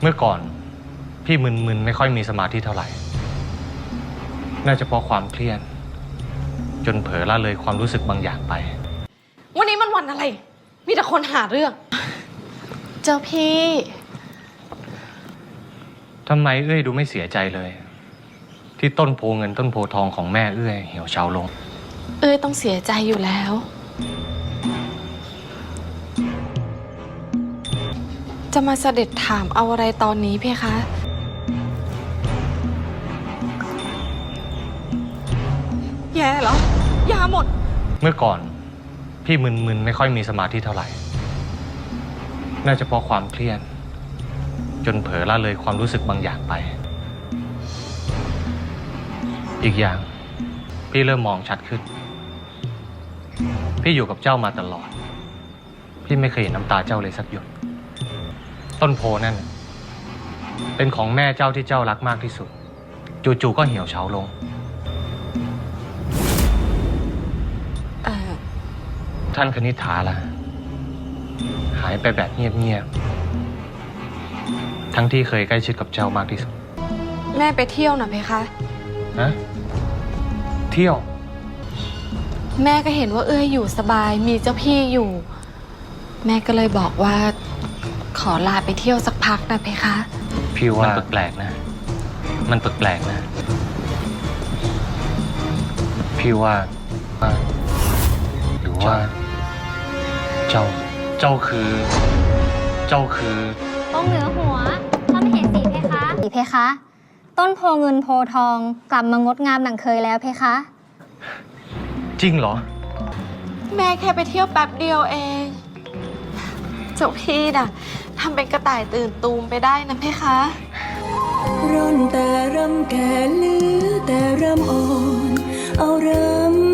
เมื่อก่อนพี่มึนๆไม่ค่อยมีสมาธิเท่าไหร่น่าจะเพราะความเครียดจนเผลอละเลยความรู้สึกบางอย่างไปวันนี้มันวันอะไรมีแต่คนหาเรื่องเจ้าพี่ทำไมเอื้อยดูไม่เสียใจเลยที่ต้นโพเงินต้นโพทองของแม่เอื้อยเหี่ยวเฉาลงเอ้ยต้องเสียใจอยู่แล้วจะมาเสด็จถามเอาอะไรตอนนี้เพคะแย่เหรอยาหมดเมื่อก่อนพี่มึนๆไม่ค่อยมีสมาธิเท่าไหร่น่าจะเพราะความเครียดจนเผลอละเลยความรู้สึกบางอย่างไปอีกอย่างพี่เริ่มมองชัดขึ้นพี่อยู่กับเจ้ามาตลอดพี่ไม่เคยเห็นน้ำตาเจ้าเลยสักหยดต้นโพนั่นเป็นของแม่เจ้าที่เจ้ารักมากที่สุดจู่ๆก็เหี่ยวเฉาลงท่านคณิษฐาล่ะหายไปแบบเงียบๆทั้งที่เคยใกล้ชิดกับเจ้ามากที่สุดแม่ไปเที่ยวน่ะเพคะฮะเที่ยวแม่ก็เห็นว่าเอ้ยอยู่สบายมีเจ้าพี่อยู่แม่ก็เลยบอกว่าขอลาไปเที่ยวสักพักนะเพคะพี่ว่ามันแปลกๆนะมันแปลกๆนะพี่ว่าหรือว่าเจ้าคือองค์เหนือหัวพระมเหสีเพคะเพคะ ต้นโพเงินโพทองกลับมางดงามดังเคยแล้วเพคะจริงเหรอแม่แค่ไปเที่ยวแป๊บเดียวเองเจ้าพี่น่ะทำเป็นกระต่ายตื่นตูมไปได้นะเพคะร่อนแต่รำแก่ลือแต่รำอ่อนเอารำ